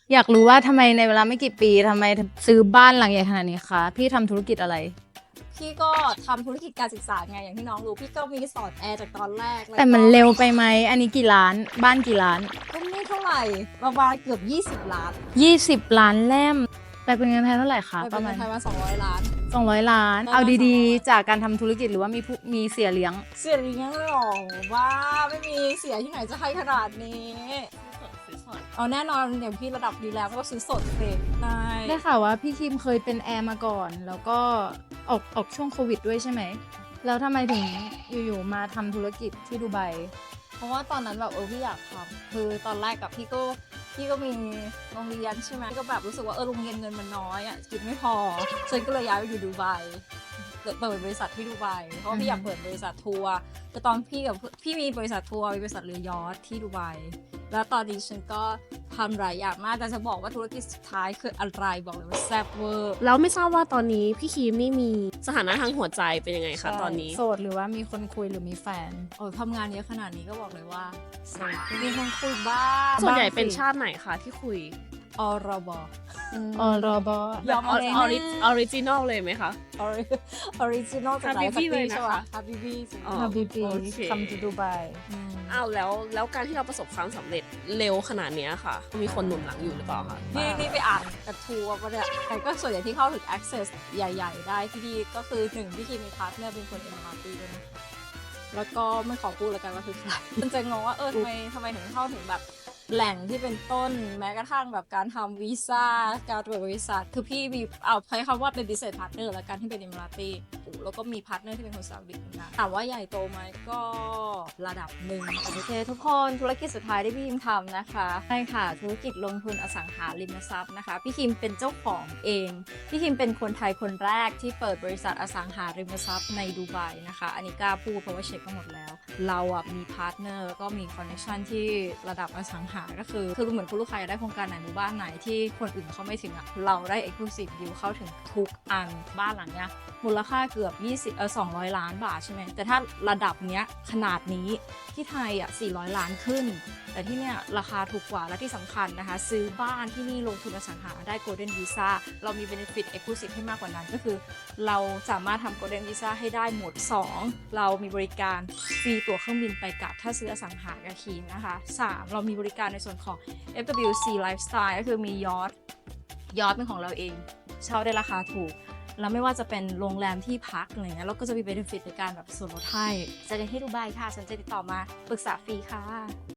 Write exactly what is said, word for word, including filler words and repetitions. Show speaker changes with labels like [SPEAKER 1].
[SPEAKER 1] อยากรู้ว่าทำไมในเวลาไม่กี่ปีทำไมถึงซื้อบ้านหลังใหญ่ขนาดนี้คะพี่ทำธุรกิจอะไร
[SPEAKER 2] พี่ก็ทำธุรกิจการศึกษาไงอย่างที่น้องรู้พี่ก็มีสอนแอร์จากตอนแรกล้ว
[SPEAKER 1] แต่มัน
[SPEAKER 2] ก็
[SPEAKER 1] เร็วไปไหมอันนี้กี่ล้านบ้านกี่ล้าน
[SPEAKER 2] ก็ไม่เท่าไหร่ประมาณเกือบยี่สิบล้าน
[SPEAKER 1] ยี่สิบล้านแล่มแต่เป็นเงินไทยเท่าไหร่คะ
[SPEAKER 2] ไป
[SPEAKER 1] ป
[SPEAKER 2] เป็น
[SPEAKER 1] ระมา
[SPEAKER 2] เงิ
[SPEAKER 1] ณ
[SPEAKER 2] นไทยมาสองร้อยล้าน
[SPEAKER 1] สองร้อยล้าน
[SPEAKER 2] ได้มา
[SPEAKER 1] เอาดี
[SPEAKER 2] สองร้อย
[SPEAKER 1] ๆ จากการทำธุรกิจหรือว่ามีผู้มีเสียเลี้ยง
[SPEAKER 2] เสียเลี้ยงเลยเหรอว่าไม่มีเสียที่ไหนจะให้ขนาดนี้เอาแน่นอนอย่างพี่ระดับดีแล้วก็ซื้อสดสิใช่
[SPEAKER 1] ได้ข่าวว่าพี่คิมเคยเป็นแอร์มาก่อน แล้วก็ออกออกช่วงโควิดด้วยใช่ไหม แล้วทำไมถึงอยู่ๆมาทำธุรกิจที่ดูไบ
[SPEAKER 2] เพราะว่าตอนนั้นแบบเออพี่อยากทำคือตอนแรกกับพี่ก็พี่ก็มีโรงเรียนใช่ไหมก็แบบรู้สึกว่าเออโรงเรียนเงินมันน้อยอ่ะกินไม่พอฉันก็เลยย้ายไปอยู่ดูไบเปิดเปิดบริษัทที่ดูไบเพราะว่าพี่อยากเปิดบริษัททัวร์แต่ตอนพี่กับพี่มีบริษัททัวร์มีบริษัทเรือยอชท์ที่ดูไบแล้วตอนนี้ฉันก็ทำหลายอย่างมากแต่จะบอกว่าธุรกิจสุดท้ายคืออะไรบอกเลยว่าแซ่บเวอร์
[SPEAKER 3] แล้วไม่ทราบว่าตอนนี้พี่คีมนี่มีสถานะทางหัวใจเป็นยังไงคะตอนนี้
[SPEAKER 1] โสดหรือว่ามีคนคุยหรือมีแฟน
[SPEAKER 2] โอ้ทำงานเยอะขนาดนี้ก็บอกเลยว่าโสดมีคนคุยบ้าง
[SPEAKER 3] ส่วนใหญ่
[SPEAKER 1] บ้างสิ
[SPEAKER 3] เป็นชาติไหนคะที่คุย
[SPEAKER 2] ออรบ
[SPEAKER 1] ออรอบอ
[SPEAKER 2] ยอม
[SPEAKER 3] อ
[SPEAKER 2] อะไร
[SPEAKER 3] อริออริจินอลเลยไหมคะ
[SPEAKER 2] ออริจินอลจากไหน
[SPEAKER 3] Habibi เลยนะคะ
[SPEAKER 2] ใช่ปะฮาบิบี
[SPEAKER 3] อ๋อ
[SPEAKER 1] ฮาบิบี
[SPEAKER 3] โอเค
[SPEAKER 1] คัมทูดูไบ
[SPEAKER 3] อ้าวแล้วแล้วการที่เราประสบความสำเร็จเร็วขนาดเนี้ยค่ะ มีคนหนุนหลังอยู่หรือเปล่าคะ
[SPEAKER 2] นี่นี่ไปอ่านกระทู้มาเนี่ยใครก็ส่วนใหญ่ที่เข้าถึง access ใหญ่ ๆ ได้ที่ดีก็คือหนึ่งพี่คีมีพาร์ทเนอร์เป็นคนเอ็มอาร์ตีด้วยนะแล้วก็ไม่ขอพูดแล้วกันว่าคือใครมันจะงงว่าเออทำไมทำไมถึงเข้าถึงแบบแหล่งที่เป็นต้นแม้กระทั่งแบบการทำวีซ่าการเปิดบริษัทคือพี่มีเอาใช้คำว่าเป็น business partner แล้วกันที่เป็นเอมิราตีแล้วก็มีพาร์ทเนอร์ที่เป็นคนซาอุดิเหมือนกันถามว่าใหญ่โตไหมก็ระดับหนึ่งโอเคทุกคนธุรกิจสุดท้ายที่พี่คิมทำนะคะใช่ค่ะธุรกิจลงทุนอสังหาริมทรัพย์นะคะพี่คิมเป็นเจ้าของเองพี่คิมเป็นคนไทยคนแรกที่เปิดบริษัทอสังหาริมทรัพย์ในดูไบนะคะอันนี้กล้าพูดเพราะว่าเช็คมาหมดแล้วเราอ่ะมีพาร์ทเนอร์แล้วก็มีคอนเนคชั่นที่ระดับอสังหาก็คือคือเหมือนคุณลูกค้าอยากได้โครงการไหนหมู่บ้านไหนที่คนอื่นเขาไม่ถึงอ่ะเราได้ exclusive deal เข้าถึงทุกอันบ้านหลังเนี้ยมูลค่าเกือบยี่สิบเออสองร้อยล้านบาทใช่ไหมแต่ถ้าระดับเนี้ยขนาดนี้ที่ไทยอ่ะสี่ร้อยล้านขึ้นแต่ที่เนี้ยราคาถูกกว่าและที่สำคัญนะคะซื้อบ้านที่นี่ลงทุนอสังหาได้ Golden Visa เรามี benefit exclusive ให้มากกว่านั้นก็คือเราสามารถทำ Golden Visa ให้ได้หมดสองเรามีบริการฟรีตั๋วเครื่องบินไปกลับถ้าซื้ออสังหากับคีนนะคะสามเรามีบริการในส่วนของ เอฟ ดับเบิลยู ซี Lifestyle ก็คือมียอทยอทเป็นของเราเองเช่าได้ราคาถูกแล้วไม่ว่าจะเป็นโรงแรมที่พักอะไรเงี้ยเราก็จะมี benefit ในการแบบส่วนลดให้เจอกันที่ดูไบค่ะสนใจติดต่อมาปรึกษาฟรีค่ะ